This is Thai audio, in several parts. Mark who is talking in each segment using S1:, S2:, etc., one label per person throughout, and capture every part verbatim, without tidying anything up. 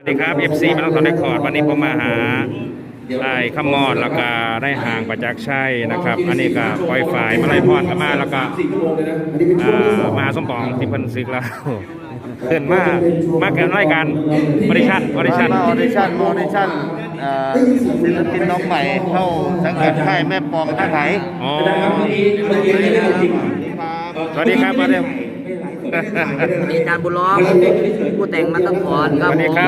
S1: สวัสดีครับ เอฟ ซี มาต้องถอนได้คอร์ดวันนี้ผมมาหาได้ขมอดแล้วก็ได้ห่างประจักษ์ชัยนะครับอันนี้ก็ปล่อยฝ่ายมาไล่พรกันมาแล้วก็มาสมปองที่เพิ่นซึกแล้วขึ้นมามาเกินรายการออดิชั่นออดิชั่น
S2: มาออดิชั่นมาออดิชั่นศิลปินน้องใหม่เข้าสังกัดค่ายแม่ปองท่าไหน
S1: อ๋อสวัสดีครับมาเร็ว
S3: มีการบุญล้อมผู้แต่งมาตั้งก่อน
S1: ส
S3: ครับ
S1: วัสดีครับ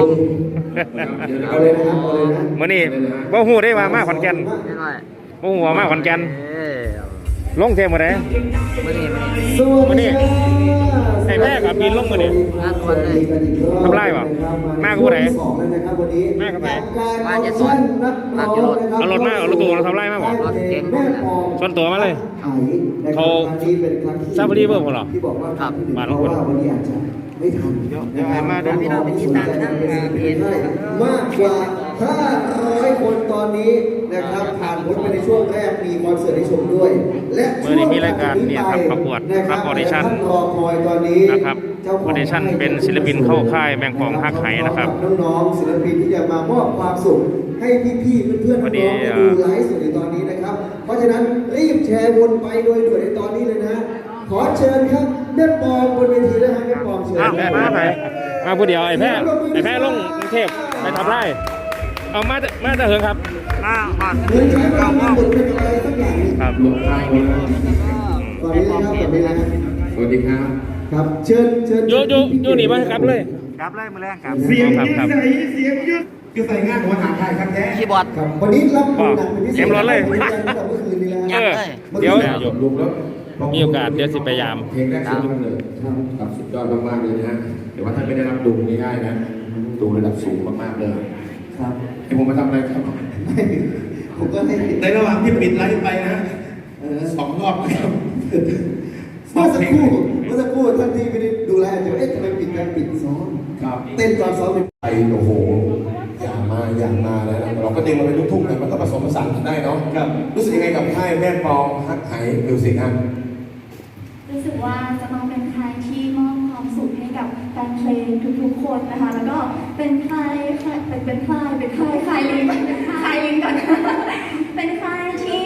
S1: มื่อนี้บ่ฮู้ได้ว่ามาขอนแก่น
S3: ไม่น้อย
S1: บ่ฮู้ว่ามาขอนแก่น
S3: เอ้ย
S1: ลงเทมมื้อใด
S3: มื่อนี้มื่อนี้
S1: มื้อนี้ไอ้แม่กับบินลงมื้อนี้
S3: งานวันเลย
S1: ทำไรบ่มากับผู้ใดมากับไผ
S3: มาจะสอนมาจะรถ
S1: เอารถมาเอารถตู้เราทำไรมาบ่
S3: รถเก่งผมนะ
S1: ส่วนตัวมาเลยเขาซาฟารีเบิ่งบ่หรอ
S3: ครับ
S1: บ้านของคน
S4: ไม่ทัน
S2: เดี๋ยวให้มาดู
S3: พี่น้องไปติดตามกันนะเพจ
S4: มากกว่าห้าร้อยคนตอนนี้นะครับผ่านพ้นไปในช่วงแรกมีคอนเสิร์ตให้ชมด้วยและ
S1: เมื่อนี้มีรายการเนี่ยครับประกวดรับออดิชั่น
S4: รอคอยตอนนี้
S1: นะครับออดิชั่นเป็นศิลปินเข้าค่ายแมงปองฮักไหนะครับ
S4: น้องๆศิลปินที่จะมามอบความสุขให้พี่ๆเพื่อนๆน้องๆที่ดูไลฟ์สดในตอนนี้นะครับเพราะฉะนั้นรีบแชร์วนไปโดยด่วนในตอนนี้เลยนะขอเชิญครับแม่ปองบนเวทีนะฮะแม่ปองเชิญ
S1: อ้าวมาไปมาผู้เดียวไอ้แพ้ไอ้แพ้ลงกรุงเทพไปทำไรเอามามาจะเหิงครับ
S2: มาหอด
S4: เหมือนใช้เวลาบทเป็นอะไรสักอย่าง
S1: ครับ
S4: ตอนนี้นะครับตอนนี้นะ
S5: สวัสดีครับ
S4: ครับ เชิญเชิญ
S1: โยโยโยหนีมาครับเลย
S2: กลับเลยมือแรงกลับ
S5: เสียง
S1: ครับ
S5: ยื
S1: ครั
S5: ด
S1: บ
S5: ใส่เสียงยืดยืดใส่งานหัวหางไทยครับแท้
S3: คีย์บอร์ด
S4: ครับวันนี้รับมือหนักเป็นพิเศษ
S1: เต็มรถเลย
S4: เมื่อคืนนี้แล้ว
S1: เออเดี๋ยว
S5: ลุกแล้ว
S1: มีโอกาสเดี๋ยวสิพยายาม
S5: เพลงแรกสุดยอดเลยครับสุดยอดมากๆเลยนะฮะเดี๋ยวว่าท่านไม่ได้รับดูง่ายๆนะดูระดับสูงมากๆเลย
S4: ครับ
S5: ให้ผมมาทำอะไรครับ
S4: ผมก็ให้
S5: ในระหว่างที่ปิดไลฟ์ไปนะ
S4: เออ
S5: สองรอบนะครับ
S4: เมื่อสักครู่เมื่อสักครู่ท่านที่ไม่ได้ดูแลจะเอ๊ะทำไมปิดการปิดซ้อม
S5: ครับ
S4: เต้นตอนซ้อมเป็น
S5: ไปโอ้โหอย่างมาอย่างมาแล้วนะเราก็ดึงมาเป็นลูกทุ่งแต่มันก็ผสมผสานกันได้เนาะครับรู้สึกยังไงกับค่ายแม่ปองฮักไหมิวสิกฮะ
S6: รู้สึกว่าจะต้องเป็นค่ายที่มอบความสุขให้กับแฟนเพลงทุกๆคนนะคะ แล้วก็เป็นค่ายเป็นเป็นค่ายเป็นค่ายค่ายลิงค่ายลิงก่อนเป็นค่ายที่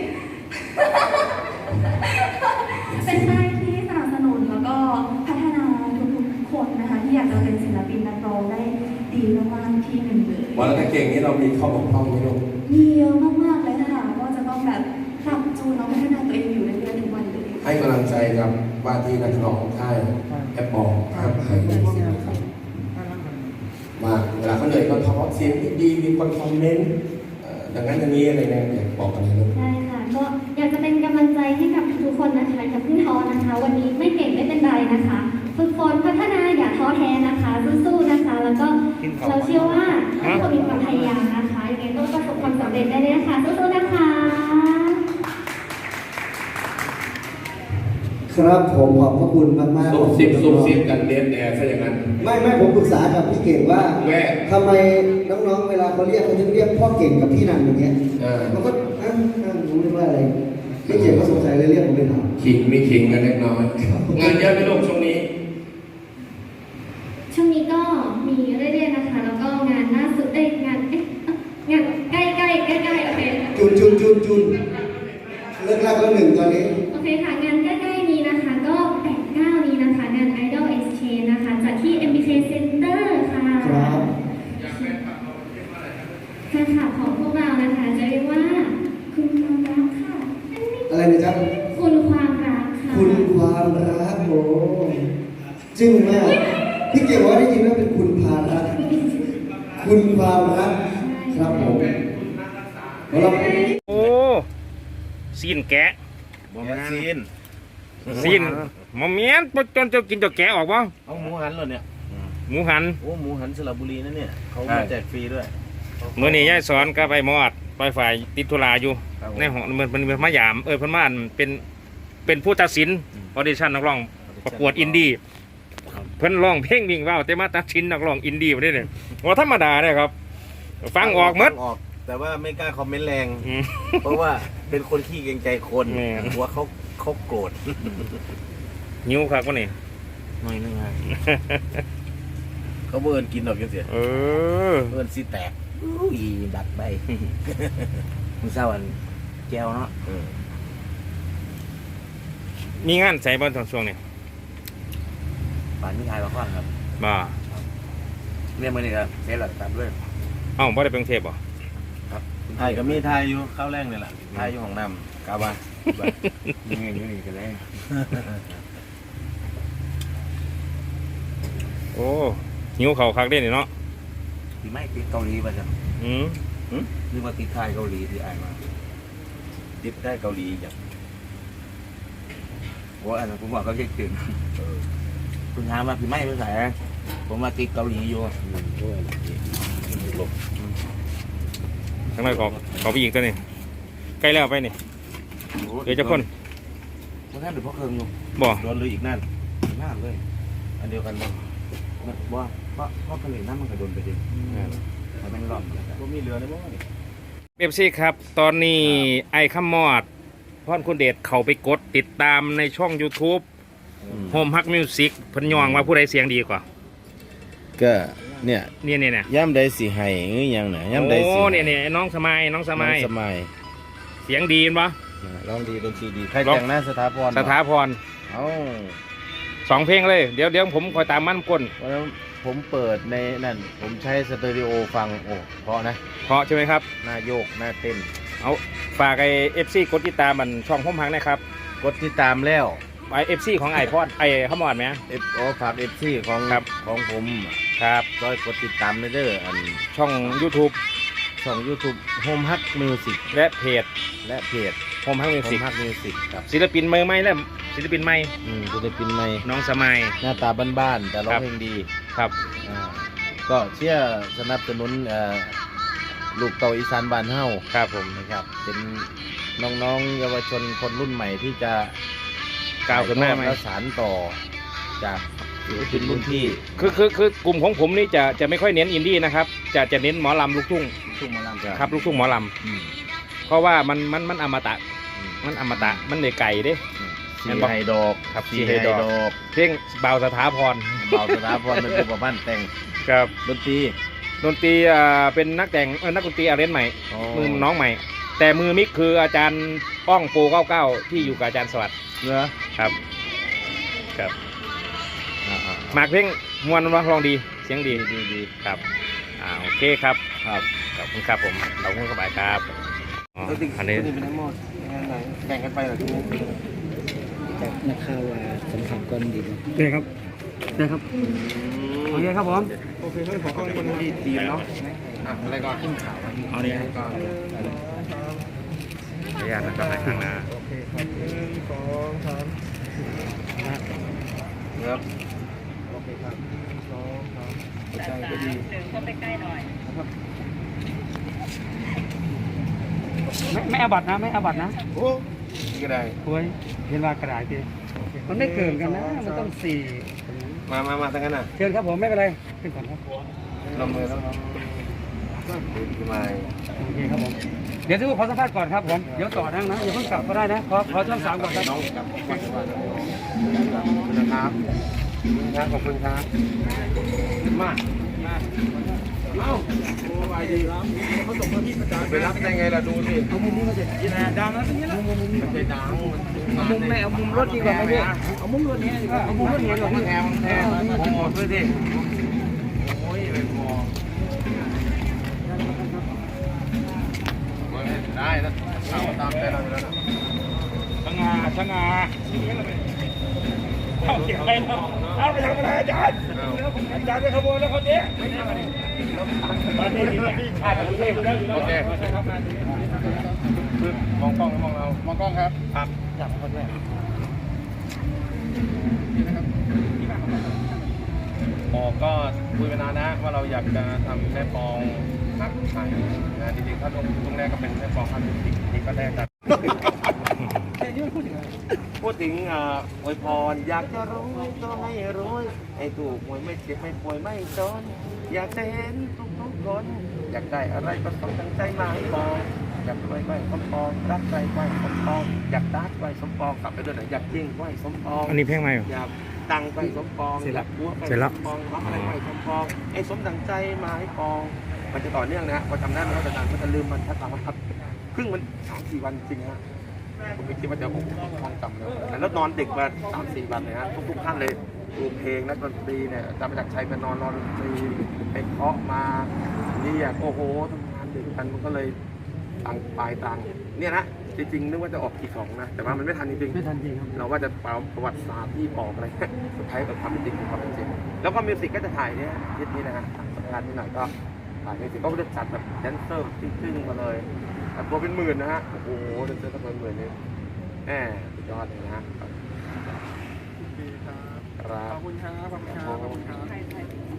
S6: เป็นค่ายที่สนับสนุนแล้วก็พัฒนาทุกๆคนนะคะที่อยากจะเป็นศิลปินนักร้องได้ดีมากๆที่หนึ่งเลย
S5: วันละเก่งนี้เรามีข้อบกพร่องไหมลูก
S6: มีเยอะมากๆเลยค่ะก็จะต้องแบบปรับจูนแล้วพัฒนาตัวเองอยู่เรื่อยๆทุกวันเลย
S5: ให้กำลังใจกับว่าที่นักร้องค่ายแอปปองฮักไหมิวสิกครับว่าเวลาเขาเหนื่อยก็ท้อเสียงดีมีคนคอมเมนต์เอ่อดังนั้นอย่างนี้อะไรเนี่ยอยากบอกกันเลยลูก
S7: ได้ค่ะก็อยากจะเป็นกำลังใจให้กับทุกคนนะคะอย่าเพิ่งท้อนะคะ วันนี้ไม่เก่งไม่เป็นไรนะคะฝึกฝนพัฒนาอย่าท้อแท้นะคะสู้ๆนะคะ แล้วก็เราเชื่อว่าถ้าคนมีความพยายามนะคะยังไงต้องประสบความสำเร็จได้เลยนะคะสู้ๆนะคะ
S4: ครับผมขอบพระคุณมากๆ
S5: ซุบซิบซุบซิบกันเดนแอร์ซะอย่างนั้น
S4: ไม่ไม่ผมปรึกษากับพี่เก่งว่า
S5: แว่
S4: ทำไมน้องๆเวลาเขาเรียกเขาจะเรียกพ่อเก่งกับพี่นันอย่างเงี้ย
S5: เออ
S4: มันก็อ้าวอ้าวรู้เรื่องว่าอะไรพี่เก่งก็สงสัยเลยเรียกผมไปถาม
S5: ขิงไม่ขิงกันเล็กน้อย งานเยอะไหมลูกช่วงนี้
S7: ช่วงนี้ก็มีเรื่อยๆนะคะ แล้วก็งานล่าสุดเอ้ยงานเอ๊ะงานใกล้ๆใกล้ๆใกล้ๆโอเค
S4: จุนจุนจุนจุนเลิกลักแล้วหนึ่งตอนนี้
S7: โอเคค่ะงานใกล้ๆนี้นะคะก็แปดเก้านี้นะคะงาน Idol Exchange นะคะจัดที่ เอ็ม บี เค Center ค่ะ
S4: ครับ
S7: แฟนคลับของพวกเรานะคะจะเรียกว่าคุณความรักค่ะ
S4: อะไรนะจ๊ะ
S7: คุณความรักค่ะ
S4: คุณความรักโอ้จึ้งมากพี่เก่งว่าได้ยินว่าเป็นคุณพารักคุณความรักครับผมเรา
S1: โอ้ซีนแกะ
S2: บอมซีน
S1: ซีนมะเมียนจนจะกินจะแกะออกวะ
S2: เอาหมูหันเหรอเนี่ย
S1: หมูหัน
S2: โอ้หมูหันสระบุรีนั่นเนี่ยเขา
S1: ใช่
S2: มาแจกฟรีด้วย
S1: เมื่อนี้ยายสอนก็ไปมอดไปฝ่ายติดธุระอยู่
S2: ครับผม
S1: ในห้องมันมันมันมายามเออเพิ่นมาอันเป็นเป็นผู้ตัดสินออดิชั่นนักร้องประกวดอินดี้เพิ่นร้องเพลงวิ่งว่าวแต่มาตัดสินนักร้องอินดี้บ่ได้เนี่ยว่าธรรมดาเนี่ยครับ ฟังออกหมด
S2: ฟังออก แต่ว่าไม่กล้าคอมเมนต์แรง
S1: อืม
S2: เพราะว่าเป็นคนขี้เกรงใจคน
S1: แม่
S2: กลัวเขาเขาโกรธ
S1: หิวครับวันนี้
S2: หน่อยนึงฮะเขาเบิ่นกินดอกจังซี่
S1: เออ
S2: เบิ่นสิแตก
S3: อุ้ยดัดไป มึงเศร้าอันแก้วเนาะ
S2: เออ
S1: มีงานใส่บอลตอนช่วงนี้
S3: ป่านนี้ทายมาก่อนครับ
S1: บ่
S3: เรียกมาเลยครับเซ็ตหลักตามด้วย
S1: เอ้าบ่ได้ไปกรุงเทพบ่
S2: ไทยก็มีไทยอยู่ข้าวแรงนี่แหละไทยอยู่ของน้ำกาบา
S3: ยังไงอยู่นี่กันเลย
S1: โอ้หิวเข่าวคักเด้นี่เนาะ
S3: ที่ไม่ติดเกาหลีป่ะจ๊ะ
S1: อืม
S3: นึกว่าติดไทยเกาหลีที่อ่านมา
S2: ติดได้เกาหลีจ้ะ
S3: ว่าอันนั้นผมบอกเขาเช็คตื่นคุณถามว่าพี่ไม่ภาษาผมมาติดเกาหลีอยู่
S1: ทั้งนั้นขอขอไปอีกตัวนี้ใกล้แล้วไปนี่เดี๋ยวจะคน
S3: เพราะท่านเป็นพ่อเคิงอยู่
S1: บ่
S2: โดนเลยอีกนั่น
S3: มากเลย
S2: อันเดียวกันบ่
S3: ว่าเพราะเพราะเกาหลีนั่นมันกระโดนไปดิมันเป็นรอบ
S2: บ่มีเรือในบ่นี่
S1: เอฟซีครับ ตอนนี้ไอ้ข้ามอดพรคุณเดชเขาไปกดติดตามในช่อง YouTube โฮมฮักมิวสิกเพิ่นยองว่าผู้ใดเสียงดีกว่า
S2: ก็เนี่ย
S1: เนี่ยเนี่ยเนี่ย
S2: ย่ำใดสิให้หรือยังน่ะย่ำใดสิ
S1: โอ้เนี่ยเนี่ยน้องสมัยน้องสมัย
S2: น้องสมัย
S1: เสียงดีมั้ย
S2: ร้องดีดนตรีดีใคร
S1: ร้อง
S2: แต่งหน้าสถาพร
S1: สถาพร
S2: เอ้า
S1: สองเพลงเลยเดี๋ยวเดี๋ยวผมคอยตามมันก้น
S2: วันนั้นผมเปิดในนั่นผมใช้สเตอริโอฟังโอ้เพราะนะ
S1: เพราะใช่ไหมครับ
S2: หน้าโยกหน้าเต้น
S1: เอาฝากไอเอฟซีกดติดตามมันช่องโฮมฮักนะครับ
S2: กดติดตามแล้ว
S1: ไอเอฟซีของไอพอดไอข้ามอดไหม
S2: เอฟโอฝากเอฟซีของ
S1: ครับ
S2: ของผม
S1: ครับ
S2: ร้อยกดติดตามในเด้ออัน
S1: ช่อง YouTube
S2: ช่อง YouTube Home Hug Music
S1: และเพจ
S2: และเพจ
S1: โฮมฮักมิวสิก
S2: Home Hug Music ครับ
S1: ศิลปินมือใหม่และศิลปินใหม่
S2: อืมศิลปินใหม่
S1: น้องสมัย
S2: หน้าตาบ้านๆแต่ร้อ
S1: ครั
S2: ง
S1: บ
S2: เพลงดี
S1: ครับ
S2: อ่าก็เชื่อสนับสนุนเอ่อลูกเต่าอีสานบ้านเฮา
S1: ครับผม
S2: นะครับเป็นน้องๆเยาวชนคนรุ่นใหม่ที่จะ
S1: ก้าวขึ้นหน้าไหม
S2: และสานต่อจากศิลปินรุ่นพี่
S1: คือคือคือกลุ่มของผมนี่จะจะไม่ค่อยเน้นอินดี้นะครับ จะจะเน้นหมอลำลูกทุ่ง
S2: ทุ่งหมอลำ
S1: ครับลูกทุ่งหมอล
S2: อืม
S1: ำเพราะว่ามันมันมันอมตะ
S2: อืม
S1: มันอมตะมันเลยไก่เด้
S2: สีไฮดอก
S1: ครับ
S2: สี
S1: สี
S2: ไฮ
S1: ไฮ
S2: ด
S1: ด
S2: อ
S1: อก
S2: ก
S1: เพลงเบาสถาพร
S2: เบาสถาพรเป็นผู้ประพันธ์แต่ง
S1: ครับ
S2: ดนตรี
S1: ดนตรีอ่าเป็นนักแต่งเออนักดนตรีอาเรนจ์ใหม่
S2: อ๋อ
S1: มือน้องใหม่ แต่มือมิกคืออาจารย์ป้องโปเก้าเก้าที่อยู่กับอาจารย์สวัสดิ์
S2: เนื้อ
S1: ครับครับ
S2: อ่า
S1: หมากเพลงมวนว่าลองดีเสียงดี
S2: ดีดีดี
S1: ครับอ่าโอเคครับ
S2: ครับ
S1: ขอบคุณครับผมขอบคุณสบายครับอ๋ออันนี้
S3: เป็นทั้งหมดแบ่งกันไปเหรอทุก
S8: นักข่าวสำคัญก้อนดีโอเคครับได้ครับโอเคครับผม
S3: โอเคก็ขอข้อมูลดีดีเนาะ
S2: อ่ะอะไรก่อนขึ้นข่าว
S1: เอาเนี่ยก่อนขออนุญาตนะครับในข้างหน้า
S2: ครับ
S8: ไม่ไม่อาบัตนะไม่อาบัตนะ
S2: โอ้ก็ได้
S8: คุยเห็นว่ากระดาษทีมันไม่เกินกันนะ มันต้องสี่
S2: มามามาทั้งนั้นน่ะ
S8: เชิญครับผมไม่เป็นไรขึ้นก่อนครับ
S2: ลงมือแล้วครับขึ้นมา
S8: โอเคครับผมเดี๋ยวทุกคนขอสัมภาษณ์ก่อนครับผมเดี๋ยวต่อนั่งนะอย่าเพิ่งกลับก็ได้นะขอขอช่องสามก่อนครับ
S2: น้องกลับก่อนดีกว่านะครับครับขอบคุณครับมาเอ้าโอ้ยดีครับเขาส่งมาที่ประจานไปรับได้ไงล่ะดูสิ
S8: เอามุมนี้มาเสร็จดังแล้วตรงนี้ละมุมนี้
S2: มันจะดัง
S8: เอามุมไหนเอามุมรถดีกว่าไหมพี่เอามุมรถนี้ดีกว่าเอามุมรถนี้ดีกว่าพี่
S2: แทงแทงโอ้โหด้วยดิโอ้ยไม่พอได้แล้วเอาตามใจเราแล้วนะ
S1: สง่าสง่าเอาเก็บไปเนาะเอาไปทำอะไรอาจารย์อาจารย์ไปขโมยแล้วคนนี้ตอนนี้ที่ขาดประเทศแล้ว
S2: โอเคมองกล้องมองเรามองกล้องครับครับจับคนแรกหมอก็คุยมานานนะว่าเราอยากจะทำแม่ปองนักไทยนะจริงๆถ้าตรงตรงแรกก็เป็นแม่ปองพันธุ์จริงนี่ก็แรกกัน พูดถึงอ่าอวยพรอยากจะรู้ก็ไม่รู้ให้ถูกหวยไม่เจ็บไม่ป่วยไม่จนอยากจะเห็นทุกทุกๆคนอยากได้อะไรก็ต้องตั้งใจมาให้บอกอยากรวยไหวสมปองรักใครไหวสมปองอยากดัดไหวสมปองกลับไปด้วยหน่อยอยากยิ่งไหวสมปอง
S1: อันนี้เพลงใหม่เหรอ
S2: อยากตังไปสมปอง
S1: เสร็จแล้ว
S2: อยากบัวไป
S1: เสร็จแล้ว
S2: สมปองรักอะไรไปสมปองไอ้สมดังใจมาให้ปอง มันจะต่อเนื่องนะพอจำได้มันก็จะนานมันจะลืมมันทักทางมันทับครึ่งมันสามสี่วันจริงฮะผมไม่คิดว่าจะโอ้โหท่องจำเลยแล้วนอนดึกมาสามสี่วันเลยฮะทุกๆท่านเลยดูเพลงนักดนตรีเนี่ยจำมาจากชัยไปนอนนอนดนตรีไปเคาะมาเรียกโอ้โหทำงานดึกกันมันก็เลยตังปลายตังเนี่ยนะจริงๆนึกว่าจะออกกี่ของนะแต่ว่ามันไม่ทันจริงๆ
S8: ไม่ทันจริงครับ
S2: เราว่าจะเป่าประวัติศาสตร์ที่ปอกอะไร สุดท้ายก็ความเป็นจริงคือความเป็นจริงแล้วก็มิวสิกก็จะถ่ายเนี่ยอาทิตย์นี้นะฮะทางสำนักงานที่หน่อยก็ถ่ายมิวสิกก็จะจัดแบบแดนเซอร์ตึ้งๆมาเลยแต่ตัวเป็นหมื่นนะฮะโอ้โหแดนเซอร์ก็เป็นหมื่นเลยแหมสุดยอดเลยนะฮะครับ
S8: ขอบคุณครับขอบคุณครับขอบคุณครับ